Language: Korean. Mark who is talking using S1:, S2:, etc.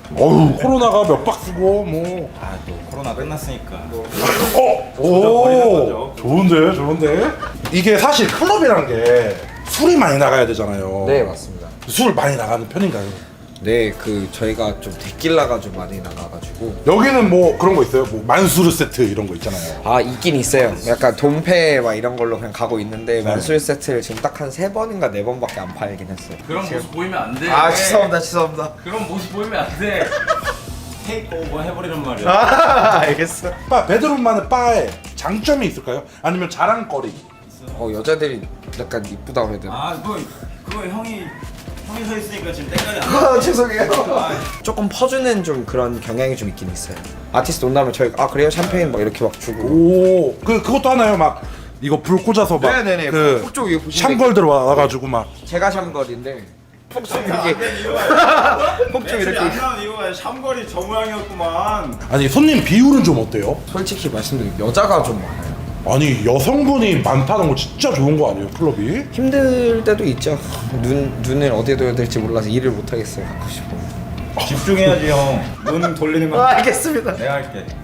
S1: 어휴 코로나가 몇 박스고 뭐.
S2: 아 또 코로나 끝났으니까.
S1: 오 좋은데. 이게 사실 클럽이란 게 술이 많이 나가야 되잖아요.
S3: 네, 맞습니다.
S1: 술 많이 나가는 편인가요?
S3: 네, 그 저희가 좀 데킬라가 좀 많이 나가가지고.
S1: 여기는 뭐 그런 거 있어요? 뭐 만수르 세트 이런 거 있잖아요.
S3: 아, 있긴 있어요. 약간 돈페 막 이런 걸로 그냥 가고 있는데 만술 세트를 지금 딱 한 3번인가 4번밖에 안 팔긴 했어요.
S4: 그런 모습 보이면 안 돼.
S3: 아, 죄송합니다.
S4: 그런 모습 보이면 안 돼.
S2: 테이크 오버 해버리는 말이야.
S3: 아, 알겠어.
S1: 바 베드룸만의 바에 장점이 있을까요? 아니면 자랑거리?
S3: 여자들이 약간 이쁘다고 해야 되나?
S2: 아 그거 형이 서 있으니까 지금 때깔이 안 나.
S3: 아, 죄송해요. 조금 퍼주는 좀 그런 경향이 좀 있긴 있어요. 아티스트 온다면 저희 그래요? 샴페인 막 이렇게 막 주고.
S1: 오 그것도 하나요? 막 이거 불 꽂아서 막
S3: 네네네.
S1: 그
S3: 그쪽 위에 보시면
S1: 샹걸 들어와가지고 막
S3: 제가 샴걸인데 폭죽 이렇게 폭죽 이렇게.
S2: 안 나온 이유가 샴걸이 저 모양이었구만.
S1: 아니 손님 비율은 좀 어때요?
S3: 솔직히 말씀드리면 여자가 좀 많아요.
S1: 아니 여성분이 많다는 거 진짜 좋은 거 아니에요 클럽이?
S3: 힘들 때도 있죠. 눈을 어디에 둬야 될지 몰라서 일을 못 하겠어요. 갖고 싶어.
S2: 집중해야지 형. 눈 돌리는 거.
S3: 알겠습니다.
S2: 내가 할게.